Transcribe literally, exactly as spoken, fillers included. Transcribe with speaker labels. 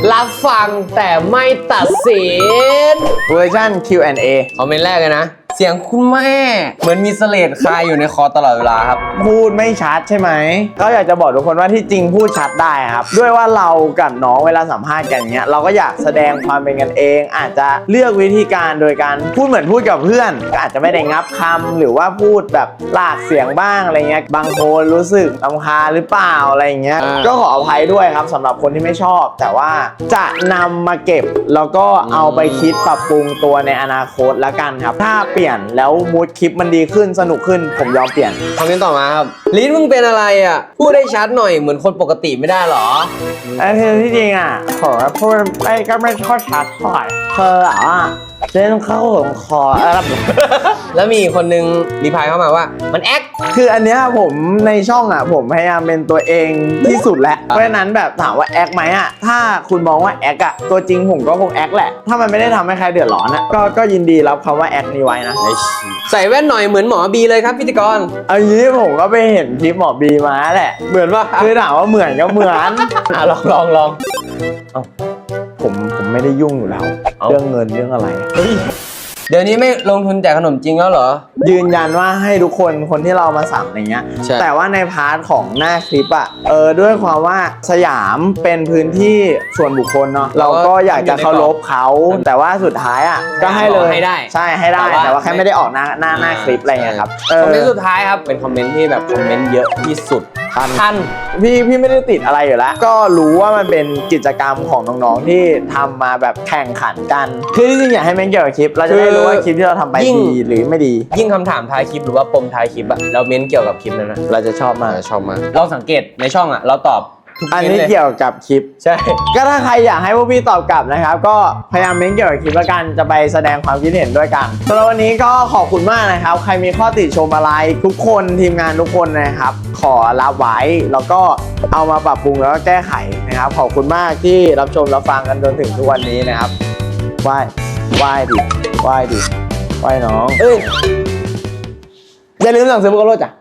Speaker 1: รับฟังแต่ไม่ตัดสิน
Speaker 2: เวอร์ชัน คิว แอนด์ เอ
Speaker 1: คอมเมนต์แรกเลยนะเสียงคุณแม่เหมือนมีเสลดคาอยู่ในคอตลอดเวลาครับ
Speaker 2: พูดไม่ชัดใช่ไหมก็อยากจะบอกทุกคนว่าที่จริงพูดชัดได้ครับด้วยว่าเรากับน้องเวลาสัมภาษณ์กันเงี้ยเราก็อยากแสดงความเป็นกันเองอาจจะเลือกวิธีการโดยการพูดเหมือนพูดกับเพื่อนก็อาจจะไม่ได้งับคำหรือว่าพูดแบบลากเสียงบ้างอะไรเงี้ยบางคนรู้สึกรำคาญหรือเปล่าอะไรเงี้ยก็ขออภัยด้วยครับสำหรับคนที่ไม่ชอบแต่ว่าจะนำมาเก็บแล้วก็เอาไปคิดปรับปรุงตัวในอนาคตแล้วกันครับถ้าเปลี่ยนแล้วมูดคลิปมันดีขึ้นสนุกขึ้นผมยอมเปลี่ยน
Speaker 1: คอมเมนต์ต่อมาครับลิ้นมึงเป็นอะไรอ่ะพูดได้ชัดหน่อยเหมือนคนปกติไม่ได้หรอ
Speaker 2: ไอ้เธอที่จริงอ่ะขอพูดไอ้ก็ไม่ค่อยชัดเท่าไหร่เธออ่ะเส้นเข้าของคออะไร
Speaker 1: แล้วมีคนนึงรีพายเข้ามาว่ามันแอค
Speaker 2: คืออันเนี้ยผมในช่องอ่ะผมพยายามเป็นตัวเองที่สุดแล้วเพราะฉะนั้นแบบถามว่าแอคไหมอ่ะถ้าคุณมองว่าแอคอ่ะตัวจริงผมก็คงแอคแหละถ้ามันไม่ได้ทำให้ใครเดือดร้อนอ่ะก็ก็ยินดีรับคำว่าแอคนี้ไว้นะ
Speaker 1: ใส่แว่นหน่อยเหมือนหมอบีเลยครับพิธีกร
Speaker 2: เอางี้ผมก็ไปเห็นคลิปหมอบีมาแหละ
Speaker 1: เหมือนว่า
Speaker 2: คือถามว่าเหมือนก็เหมือน
Speaker 1: อ่ะลองลองลอง
Speaker 2: ผมผมไม่ได้ยุ่งอยู่แล้วเรื่องเงินเรื่องอะไร
Speaker 1: เดี๋ยวนี้ไม่ลงทุนแจกขนมจริงแล้วเหรอ
Speaker 2: ยืนยันว่าให้ทุกคนคนที่เรามาสั่งอะไรเงี้ยแต่ว่าในพาร์ทของหน้าคลิปอ่ะเออด้วยความว่าสยามเป็นพื้นที่ส่วนบุคคลเนาะเราก็อยากจะเคารพเขาแต่ว่าสุดท้ายอ่ะก็ให้เลย
Speaker 1: ให้ได้
Speaker 2: ใช่ให้ได้แต่ว่าแค่ไม่ได้ออกหน้าหน้าหน้าคลิปอะไรเงี้ยครับ
Speaker 1: คอมเมนต์สุดท้ายครับเป็นคอมเมนต์ที่แบบคอมเมนต์เยอะที่สุดท่าน
Speaker 2: พี่พี่ไม่ได้ติดอะไรอยู่แล้วก็รู้ว่ามันเป็นกิจกรรมของน้องๆที่ทำมาแบบแข่งขันกันคือจริงๆอยากให้แม่งเกี่ยวกับคลิปเราจะได้รู้ว่าคลิปที่เราทำไปดีหรือไม่ดี
Speaker 1: ยิ่งคำถามท้ายคลิปหรือว่าปมท้ายคลิปอะเราเม้นเกี่ยวกับคลิปนั้นนะ
Speaker 2: เราจะชอบมาก
Speaker 1: ชอบมากเราสังเกตในช่องอะเราตอบ
Speaker 2: อันนี้เกี่ยวกับคลิป
Speaker 1: ใช่
Speaker 2: ก็ถ้าใครอยากให้พวกพี่ตอบกลับนะครับก็พยายามเม้นเกี่ยวกับคลิปแล้วกันจะไปแสดงความคิดเห็นด้วยกันสำหรับวันนี้ก็ขอบคุณมากนะครับใครมีข้อติชมอะไรทุกคนทีมงานทุกคนนะครับขอรับไว้แล้วก็เอามาปรับปรุงแล้วก็แก้ไขนะครับขอบคุณมากที่รับชมรับฟังกันจนถึงทุกวันนี้นะครับไหว้ไหว้ดิไหว้ดิไหว้น้องเอ้ยอย่าลืมสั่งซื้อบุกโลจ้ะ